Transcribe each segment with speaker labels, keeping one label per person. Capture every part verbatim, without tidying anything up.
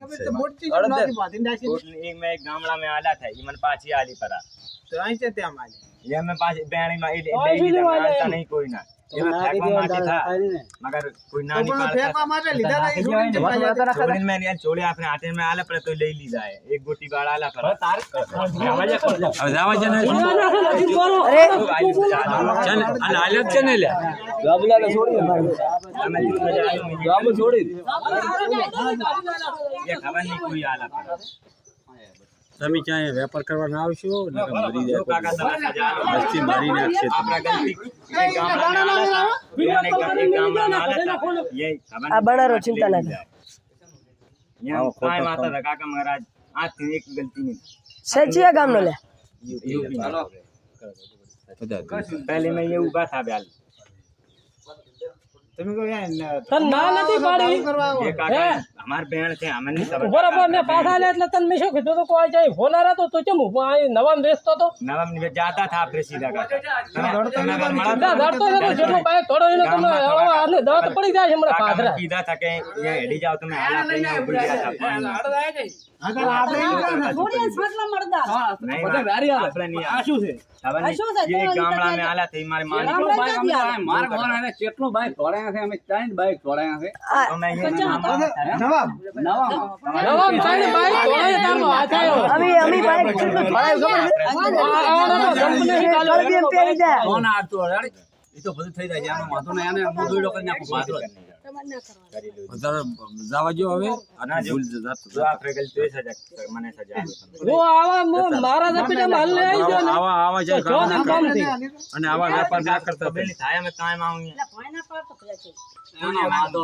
Speaker 1: एक मैं एक गामड़ा में आला था ये मन पाची आली परा
Speaker 2: तो आई से त्या माले
Speaker 1: ये मैं पाची बेणी में ले नहीं कोई ना ये मैं फेंकवा माटी था मगर कोई ना नहीं पालता
Speaker 2: फेंकवा माटे लीधा नहीं छोड़ी
Speaker 1: में नहीं छोड़े आपने आटे में आला पर तो ले ली जाए एक गोटी बाड़ आला पर
Speaker 3: आवाज आवाज जने
Speaker 4: अरे
Speaker 3: चल अलग चने ले
Speaker 4: बाबूला ने छोड़ी बाबू छोड़ी
Speaker 1: ये खबर नहीं कोई आला पर
Speaker 3: તમે ક્યાંય વેપાર કરવા ના આવશો ને મરી જાય
Speaker 1: કાકા તમે સજા
Speaker 3: મસ્તી મારી નાખશે
Speaker 1: આપણા ગલતી એક ગામડા में आला था एक गामड़ा में आला था ये खबर
Speaker 4: आ बड़ा रो चिंता ना
Speaker 1: यहाँ काय माता था काका महाराज आज थी एक गलती नहीं
Speaker 4: सचिया गाम नो ले
Speaker 1: यूपी पहले मैं ये उगा था ब्याल
Speaker 2: तुम्हें को यार
Speaker 5: तन ना नदी पाड़ी
Speaker 1: ये काका हमार बहन थे हमें नहीं सब
Speaker 5: बराबर ने पासा ले એટલે તન મેશો કીધું તો કોઈ જાય ફોલા રાતો તો ચમ આ નવામ વેચતો તો
Speaker 1: नवम में जाता था आपरे सीधा काका
Speaker 5: ના દડતો હતો જેટલો બાઈક થોડો એનો તમે આને દાંત પડી જાય છે મને પાથરા
Speaker 1: सीधा था के ये हेडी जाओ तो मैं आला पे ना उड़ गया था
Speaker 2: अगर आपने
Speaker 6: थोड़ी फाटला मरदा
Speaker 1: नहीं आपने नहीं आशु से ये गामड़ा में आला थे हमारे मालिक
Speaker 3: માર ઘર આને કેટલો બાઈક ધોળાયા છે અમે ત્રણ બાઈક ધોળાયા છે
Speaker 1: तो मैं ये
Speaker 2: नवाब
Speaker 3: નવા
Speaker 5: નવામ સાઈડ બાઈક ધોળાય તારો હાથ આવ્યો
Speaker 4: अभी अभी बाइक छोड़ो भाई कल भी हम पेरी जा
Speaker 3: કોણ આતો યાર એ તો બધું થઈ જાય છે આનો માથો ને આને મોદોડો કરી નાખો પાદરો વધારે જાવા જો હવે
Speaker 1: ना जो जो आपरे गलती है सजा मने सजा
Speaker 5: वो आवा मारा जपीटा माल ले आई जो
Speaker 3: આવા આવા જાય
Speaker 5: જો ના કામ થી
Speaker 3: અને આવા વેપાર ના કરતા
Speaker 1: बेली थाया में कायम आऊंगी
Speaker 6: ભાઈના પર તો ખયા છે
Speaker 3: એનો વાંધો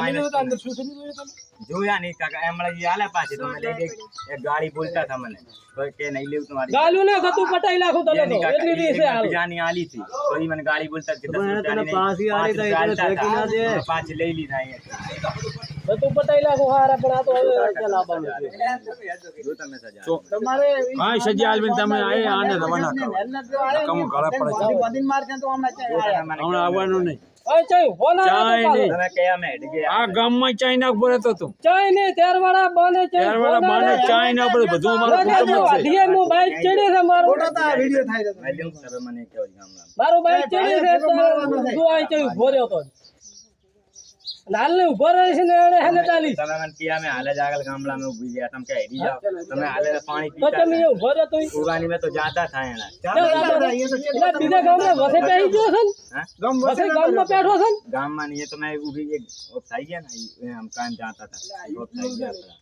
Speaker 1: जो या नहीं काका एमड़ा ये आला पाछे तो मैं ले गई एक गाड़ी बोलता था मैंने तो के नहीं ले तुम्हारी
Speaker 5: गालू ने गतु पटाई लाखो तले तो इतनी दी से हाल
Speaker 1: जानी आली थी कोई मैंने गाड़ी बोलता कि दस रुपया नहीं
Speaker 4: पास ही आली था इधर ठेकी ना दे
Speaker 1: पांच ले ली था ये
Speaker 5: गतु पटाई लाखो हारा पण आ तो હવે ચલા બન
Speaker 1: जो તમે સજા
Speaker 2: तुम्हारे
Speaker 3: હા સજી આલબીન તમે આએ આને રવાના કરો કમ ગળા પડે છે
Speaker 2: दिन मार के तो हम आया
Speaker 3: હમણાં આવવાનું નહીં
Speaker 5: ઓય ચાઈ ફોના
Speaker 3: ચાઈ નહીં
Speaker 1: તમે કયા में हट गया
Speaker 3: આ ગામમાં ચાઈ ના ઉપર હતો તું
Speaker 5: ચાઈ ને તેરવાડા બને ચાઈ
Speaker 3: ત્યારવાળા બાને ચાઈ ના ઉપર બધું અમારું કુટુંબ જ છે
Speaker 5: ડીએ મો બાઈક ચડે છે મારો
Speaker 2: फोटो था वीडियो था
Speaker 1: मैं लूं सब मने के गामड़ा
Speaker 5: મારો બાઈક ચડે છે તું આઈ ચાઈ ઉભો રહ્યો તો લાલ ને ઉભો રહે છે ને એને હેને ચાલી
Speaker 1: તમે મને કિયા में हाले जागल गामड़ा में उभी गया तुम के हेडी जाओ તમે हाले पानी
Speaker 5: તો
Speaker 1: पीता
Speaker 5: તમે ઉભો રહ્યો તો
Speaker 1: उगानी में तो जाता था एना
Speaker 2: ये तो
Speaker 5: એટલે બીજા ગામમાં વસે બેહી ગયો છે
Speaker 1: हां
Speaker 2: गम
Speaker 5: વસે ગામમાં બેઠો છે
Speaker 1: गाम में नहीं है तो मैं उभी एक ऑफ था गया ना ये हम काम जाता था ऑफ था गया था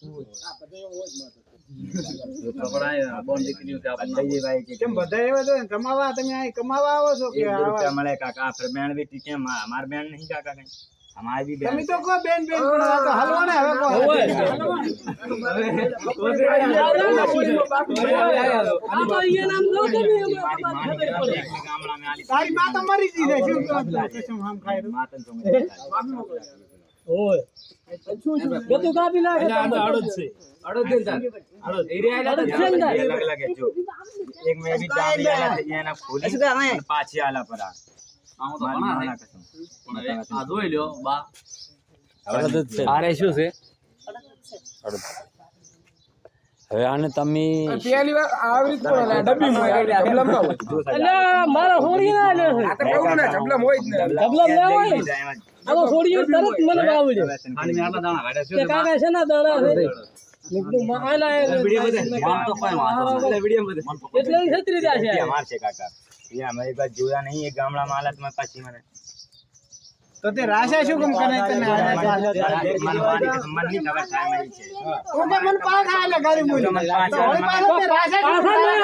Speaker 1: तो बड़ा बोन दिखनी होती आप ये भाई के
Speaker 2: કેમ બધા એવા તો કમાવા તમે આ કમાવા આવો છો કે
Speaker 1: एक रुपया મળે કાકા फिर બેન भी ટીકે हमार બેન नहीं काका कहीं हमारी भी
Speaker 2: તમે
Speaker 1: बेन
Speaker 2: તો કો બેન બેન પણ આ તો હલવાને હવે કો
Speaker 5: આ તો એ નામ લો તમે
Speaker 1: गामड़ा में आली
Speaker 2: તારી માં તો મરી જી છે શું કસમ હમ ખાઈ રહ્યો
Speaker 1: मातन तो मैं
Speaker 5: ઓય ગતું કાપી નાખે
Speaker 3: અડદ છે અડદ દે જા અડદ એરિયા
Speaker 5: અડદ છે ને
Speaker 1: अलग अलग है जो एक में भी डाल दिया ना ये ना फूली पाछी आला पड़ा
Speaker 3: આમાં તો ઘણા છે
Speaker 1: कसम
Speaker 3: પણ હવે આ જોઈ લ્યો બા
Speaker 4: અડદ છે
Speaker 3: આરે શું છે હવે આને તમે
Speaker 2: પહેલી વાર આવી રીતે બોલે ડબ્બી માં ડબલમ માં
Speaker 5: એટલે મારા હોડી ના લે છે
Speaker 2: આ તો કહું ને ડબલમ હોય જ ને
Speaker 5: ડબલમ ના હોય આ તો હોડી તરત મને આવડે
Speaker 3: આની આટલા દાણા કાઢ્યા છે
Speaker 5: કે કાકા છે ના દાણા છે નીકળું માયલા
Speaker 3: વિડિયો બધે મન તો કોઈ વાંધો નહીં વિડિયો બધે
Speaker 5: એટલે છત્રી રહ્યા છે
Speaker 1: हमार से काका ये हमारी बात जोया नहीं है गामड़ा में हालत में पाछी मैंने
Speaker 2: તો તે રાશા શું કેમ કરે તને
Speaker 1: मन वाली कसम मन नहीं खबर था मैं
Speaker 2: તું તો મન પાછા આલે ગાડી મૂલી તો ઓલી પાસે રાશા